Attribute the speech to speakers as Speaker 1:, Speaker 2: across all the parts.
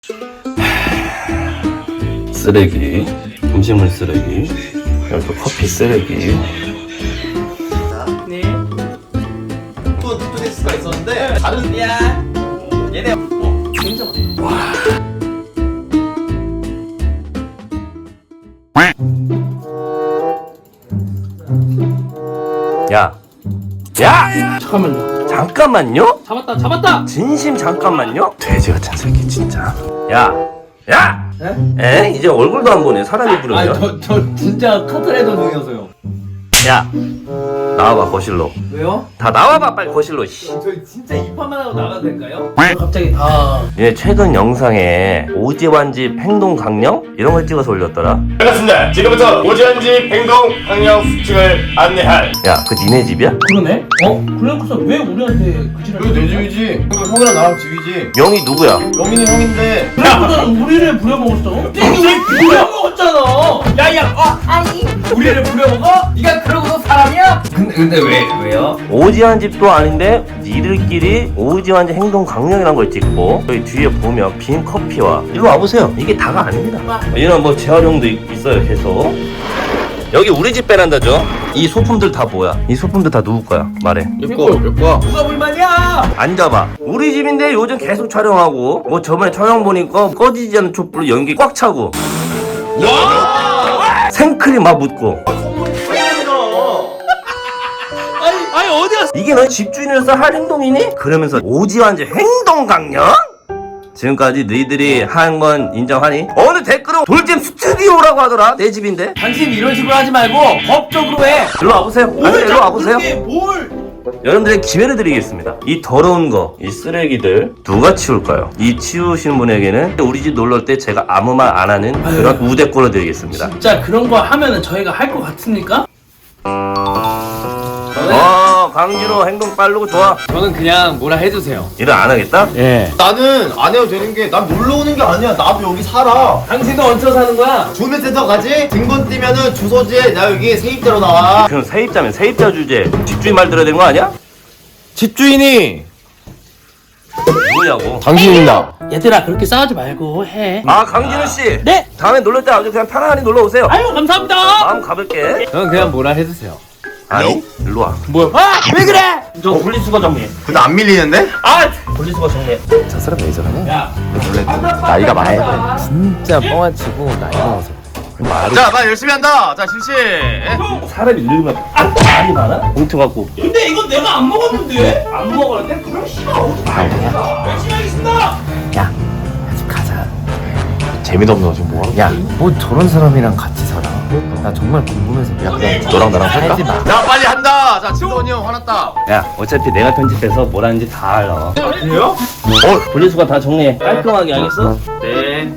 Speaker 1: 쓰레기, 음식물 쓰레기, 여기 또 커피 쓰레기.
Speaker 2: 네.
Speaker 3: 또 투데스가 있었는데 다른
Speaker 2: 야, 얘네. 굉장히.
Speaker 1: 야, 야,
Speaker 2: 잠깐만요.
Speaker 1: 잠깐만요.
Speaker 2: 잡았다.
Speaker 1: 진심 잠깐만요. 돼지 같은 새끼 진짜. 야, 야.
Speaker 2: 네?
Speaker 1: 에? 이제 얼굴도 안 보네. 사람이 부르면.
Speaker 2: 저 진짜 카트라이더 중이어서요.
Speaker 1: 야, 나와봐 거실로.
Speaker 2: 왜요?
Speaker 1: 다 나와봐 빨리 거실로. 씨.
Speaker 2: 저희 진짜 입판만 하고 나가도 될까요? 갑자기 다.
Speaker 1: 얘 최근 영상에 오지환집 행동 강령 이런 걸 찍어서 올렸더라.
Speaker 4: 반갑습니다. 지금부터 오지환집 행동 강령 수칙을 안내할
Speaker 1: 야, 그 니네 집이야?
Speaker 2: 그러네? 그래놓고서 왜 우리한테 그 지랄?
Speaker 3: 여기 내 집이지. 이거 형이랑 나랑 집이지.
Speaker 1: 명이 누구야?
Speaker 3: 영민이 형인데.
Speaker 2: 그래놓고서 우리를 부려먹었어? 이게 부려먹었잖아. 야야, 아니. 우리를 부려먹어? 네가 그러고서 사람이야? 근데 왜요?
Speaker 1: 오지환집도 아닌데 니들끼리 오지환집 행동 강령이란 걸 찍고 여기 뒤에 보면 빈 커피와 일로 와보세요. 이게 다가 아닙니다. 이런 뭐 재활용도 있어요 계속. 여기 우리 집 베란다죠. 이 소품들 다 뭐야? 이 소품들 다 누구 거야? 말해.
Speaker 3: 몇 거?
Speaker 2: 누가 불만이야?
Speaker 1: 앉아봐. 우리 집인데 요즘 계속 촬영하고 뭐 저번에 촬영 보니까 꺼지지 않는 촛불로 연기 꽉 차고 생크림 막 묻고
Speaker 2: 아니 어디 갔어?
Speaker 1: 이게 너 집주인으로서 할 행동이니? 그러면서 오지환집 행동 강령? 지금까지 너희들이 한 건 인정하니? 어느 댓글은 돌잼 스튜디오라고 하더라. 내 집인데.
Speaker 2: 당신 이런 식으로 하지 말고 법적으로 해.
Speaker 1: 일로 와보세요. 아니 일로 와보세요.
Speaker 2: 뭘?
Speaker 1: 여러분들의 기회를 드리겠습니다. 이 더러운 거, 이 쓰레기들 누가 치울까요? 이 치우신 분에게는 우리 집 놀러 올 때 제가 아무 말 안 하는 그런 우대권을 드리겠습니다.
Speaker 2: 진짜 그런 거 하면은 저희가 할 것 같습니까?
Speaker 1: 강진호 행동 빠르고 좋아.
Speaker 2: 저는 그냥 뭐라 해주세요.
Speaker 1: 일을 안 하겠다?
Speaker 2: 예.
Speaker 3: 나는 안 해도 되는 게 난 놀러 오는 게 아니야. 나도 여기 살아.
Speaker 2: 당신도 얹혀 사는 거야?
Speaker 3: 주민센터 가지? 등본 띄면은 주소지에 나 여기 세입자로 나와.
Speaker 1: 그럼 세입자면 세입자 주제. 집주인 말 들어야 되는 거 아니야?
Speaker 3: 집주인이
Speaker 1: 누구냐고.
Speaker 3: 당신입니다.
Speaker 2: 얘들아 그렇게 싸우지 말고 해.
Speaker 1: 아, 강진호 씨.
Speaker 2: 네.
Speaker 1: 다음에 놀러 때 아주 그냥 편안히 놀러 오세요.
Speaker 2: 아유 감사합니다.
Speaker 1: 마음 가볼게.
Speaker 2: 저는 그냥 뭐라 해주세요.
Speaker 1: 아니, 일로 와.
Speaker 2: 왜 그래?
Speaker 1: 저 분리수거 정리해.
Speaker 3: 근데 안 밀리는데?
Speaker 1: 분리수거 정리해.
Speaker 5: 저 사람 왜 저러냐?
Speaker 2: 야.
Speaker 5: 원래 나이가 많아. 진짜 뻥아치고 나이 먹어서.
Speaker 3: 자, 나 열심히 한다. 자, 실시.
Speaker 1: 사람이 늙으면 말이 많아? 봉투 갖고 올게.
Speaker 2: 근데 이건 내가 안 먹었는데. 안 먹었는데? 그럼 싫어. 열심히 하겠습니다.
Speaker 5: 야, 집 가자.
Speaker 3: 재미도 없는 거 지금 뭐하는
Speaker 5: 야, 뭐 저런 사람이랑 같이 살아? 나 정말 궁금해서. 야, 그냥 너랑 나랑 살까? 하지 마.
Speaker 3: 자, 빨리 한다. 자, 진원이 형 화났다.
Speaker 1: 야, 어차피 내가 편집해서 뭘 하는지 다 알아.
Speaker 3: 그래요?
Speaker 1: 분리수거 다 정리해. 깔끔하게 알겠어? 네.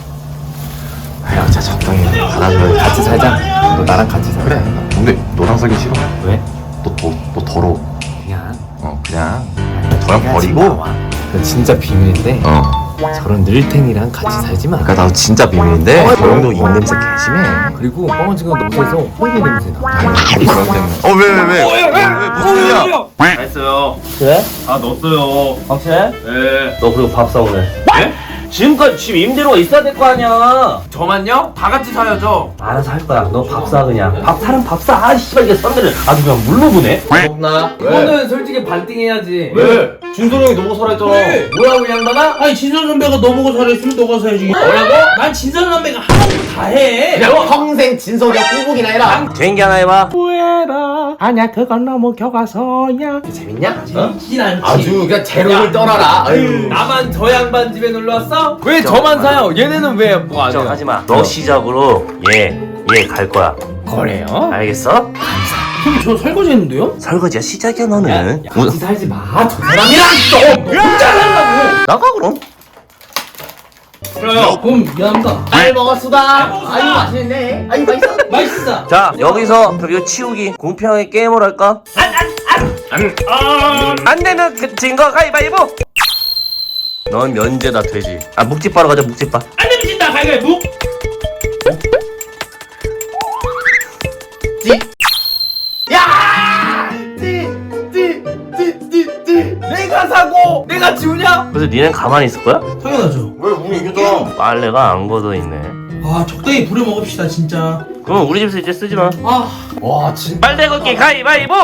Speaker 5: 아유, 자 적당히 해. 알아서 같이 살자. 너 나랑 같이 살자.
Speaker 6: 그래. 근데 너랑 살기 싫어.
Speaker 5: 왜?
Speaker 6: 너 더러워.
Speaker 5: 그냥.
Speaker 6: 그냥 저랑
Speaker 5: 내가
Speaker 6: 버리고.
Speaker 5: 지금 나와. 이거 진짜 비밀인데. 저런 늘탱이랑 같이 살지 마.
Speaker 6: 그러니까 나도 진짜 비밀인데 저 형도 입냄새 개심해.
Speaker 5: 그리고 뻥아치고 너에서 호일이 냄새 나.
Speaker 6: 그런 때문에. 왜 무슨 일이야?
Speaker 1: 다 했어요.
Speaker 2: 그래?
Speaker 1: 다 넣었어요.
Speaker 2: 확실해?
Speaker 1: 네. 너 그리고 밥 사오네. 네? 지금까지 집 임대료가 있어야 될 거 아니야.
Speaker 2: 저만요? 다 같이 사야죠.
Speaker 1: 알아서 할 거야. 너 밥 사 그냥. 밥 사람 밥 사. 아 씨발 이게 썬들을 아주 그냥 물로 보네.
Speaker 3: 없나?
Speaker 2: 이거는 솔직히 반띵해야지.
Speaker 3: 왜? 준솔이 형이 너무 살아있잖아.
Speaker 2: 뭐라고 이 양반아? 아니 진선 선배가 너보고 잘했으면 너가 사야지. 뭐라고? 난 진선 선배가 하라고 다 해.
Speaker 3: 야, 평생 진솔이 형 꼬북이나 해라.
Speaker 1: 개인기 하나 해봐.
Speaker 2: 후회라. 아니야 그건 너무 교과서야.
Speaker 3: 재밌냐?
Speaker 2: 재밌진 않지.
Speaker 3: 아주 그냥 제로를 떠나라. 아유.
Speaker 2: 나만 저 양반 집에 놀러 왔어? 왜 저만 사요? 얘네는 왜 뭐 안 해요?
Speaker 1: 걱정하지 마. 너 시작으로 얘 갈 거야.
Speaker 2: 그래요?
Speaker 1: 알겠어?
Speaker 2: 그럼 저 설거지 했는데요?
Speaker 1: 설거지야 시작이야 너는.
Speaker 2: 같이 살지 마. 저 사람이랑 좀 혼자 살라고.
Speaker 1: 나가 그럼.
Speaker 2: 그래요. 그럼 미안합니다.
Speaker 3: 잘 먹었수다. 아유, 맛있네. 아유, 맛있어.
Speaker 2: 맛있어.
Speaker 1: 자 여기서 그리고 치우기 공평하게 게임을 할까? 안 되면 그 진거 가위바위보. 넌 면제다 돼지. 아 묵집 바로 가자 묵집 바.
Speaker 2: 안 되면 진다. 가위바위보.
Speaker 3: 야! 내가 사고 내가
Speaker 2: 내가 지우냐?
Speaker 1: 그래서 니넨 가만히 있을 거야?
Speaker 2: 당연하죠.
Speaker 3: 왜 우리 이겼잖아.
Speaker 1: 빨래가 안 걷어있네.
Speaker 2: 아 적당히 부려 먹읍시다 진짜.
Speaker 1: 그럼 우리 집에서 이제 쓰지 마.
Speaker 2: 아
Speaker 3: 와 진짜.
Speaker 1: 빨래 걷기 가위바위보!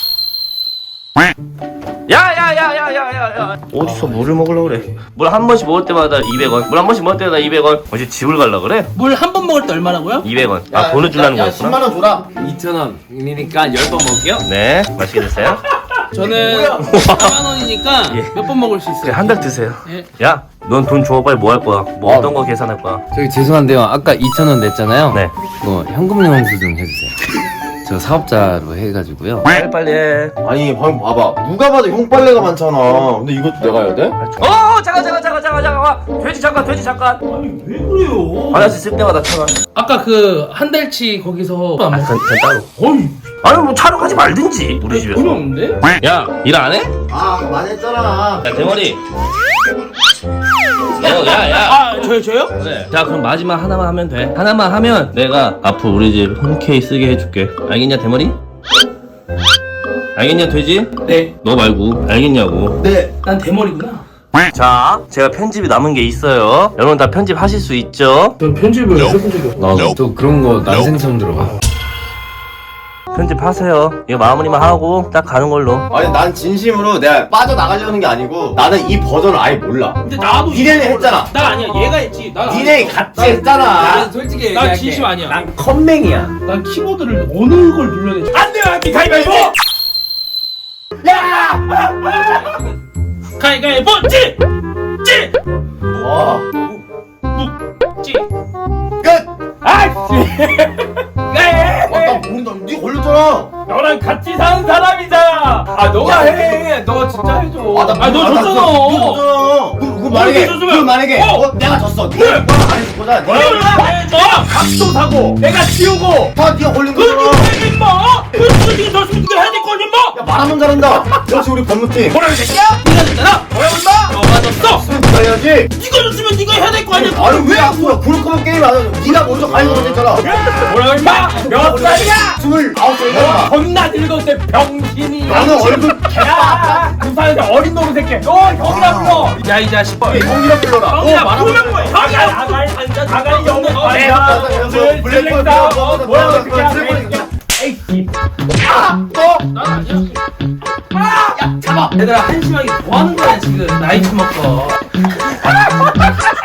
Speaker 1: 야야야야야야야 어디서 물을 먹으려고 그래. 물 한 번씩 먹을 때마다 200원. 물 한 번씩 먹을 때마다 200원. 어제 집을 갈라 그래?
Speaker 2: 물 한 번 먹을 때 얼마라고요?
Speaker 1: 200원. 아 돈을 주려는
Speaker 3: 야,
Speaker 1: 거였구나.
Speaker 3: 10만 원 줘라.
Speaker 5: 2,000원이니까 10번 먹을게요.
Speaker 1: 네 맛있게 드세요.
Speaker 2: 저는 4만 원이니까
Speaker 1: 예.
Speaker 2: 몇 번 먹을 수
Speaker 1: 그래
Speaker 2: 있어요?
Speaker 1: 한 달 드세요.
Speaker 2: 예.
Speaker 1: 야 넌 돈 줘. 빨리 뭐 할 거야? 뭐 어떤 거 계산할 거야?
Speaker 5: 저기 죄송한데요. 아까 2,000원 냈잖아요.
Speaker 1: 네.
Speaker 5: 이거 현금 영수 좀 해주세요. 저 사업자로 해가지고요.
Speaker 1: 빨리 해.
Speaker 3: 아니 방금 봐봐. 누가 봐도 형 빨래가 많잖아. 근데 이것도 내가 해야 돼?
Speaker 1: 잠깐 돼지 잠깐.
Speaker 2: 아니 왜 그래요?
Speaker 1: 화장실 쓸 때마다 천원.
Speaker 2: 아까 그 한 달치 거기서 안 먹었어.
Speaker 1: 그냥 따로.
Speaker 2: 어이
Speaker 1: 아니 뭐 촬영하지 말든지 우리 집에서.
Speaker 2: 돈이 없는데?
Speaker 1: 야 일 안 해?
Speaker 3: 아 많이 했잖아.
Speaker 1: 야 대머리. 야야.
Speaker 2: 아 저요?
Speaker 1: 그래. 자 그럼 마지막 하나만 하면 돼. 하나만 하면 내가 앞으로 우리 집 흔쾌히 쓰게 해줄게. 알겠냐 대머리? 알겠냐 돼지?
Speaker 2: 네.
Speaker 1: 너 말고 알겠냐고.
Speaker 3: 네.
Speaker 2: 난 대머리구나.
Speaker 1: 자 제가 편집이 남은 게 있어요. 여러분 다 편집하실 수 있죠?
Speaker 2: 전 편집을 해본 적이 없어.
Speaker 5: 나또 그런 거 난생 처음 들어봐.
Speaker 1: 편집하세요. 이거 마무리만 하고 딱 가는 걸로.
Speaker 3: 아니 난 진심으로 내가 빠져나가려는 게 아니고 나는 이 버전을 아예 몰라.
Speaker 2: 근데 나도
Speaker 3: 니네는 했잖아.
Speaker 2: 나 아니야 얘가 했지. 난
Speaker 3: 니네 같이 했잖아.
Speaker 5: 솔직히
Speaker 2: 난 진심 아니야.
Speaker 5: 난 컴맹이야.
Speaker 2: 난 키보드를 어느 걸 눌러야 되지? 안 돼요, 안돼 가위바위보. 가위바위보 찌!
Speaker 3: 와.
Speaker 2: 찌!
Speaker 3: 끝.
Speaker 2: 아이씨!
Speaker 3: 나 모른다. 니 걸렸잖아.
Speaker 2: 너랑 같이 사는 사람이잖아. 아 너가 해. 너 진짜 해줘.
Speaker 3: 아, 너
Speaker 2: 줬잖아.
Speaker 3: 줬잖아. 그 만약에
Speaker 2: 줬으면-
Speaker 3: 그 만약에 내가 졌어. 네가 안 했을 거잖아.
Speaker 2: 너 밥도 사고 내가 치우고
Speaker 3: 다 네가 걸린
Speaker 2: 그
Speaker 3: 거잖아.
Speaker 2: 누가 임마? 그 누가 네가 졌으면 네가 해야 될 거 아니야 임마?
Speaker 3: 야 말하면 잘한다. 역시 우리 법무팀.
Speaker 2: 뭐라고 이 새끼야? 네가 졌잖아. 뭐라고 임마? 너가 졌어.
Speaker 3: 네가 해야지.
Speaker 2: 네가 졌으면 네가 해야 될 거 아니야?
Speaker 3: 아니 왜 앞으로 구르크만 게임 안 해? 네가 먼저 가위바위보 했잖아.
Speaker 2: 뭐라고 임마? 몇 살이야?
Speaker 3: 29살이잖아.
Speaker 2: 겁나 늙었대 병신이.
Speaker 3: 나는 얼굴
Speaker 2: 야, 부산에서 어린 놈 새끼. 너 형이라 불러. 야 이 자식.
Speaker 3: 형이라 불러라.
Speaker 2: 형이라 말하면 뭐야? 형이야. 나가리 앉아. 나가리 없는 거. 내가 오늘 블랙다. 뭐라고 그냥. 에이. 난 아니야. 야, 잡아. 얘들아 한심하게 뭐 하는 거야 지금 나이 처먹고.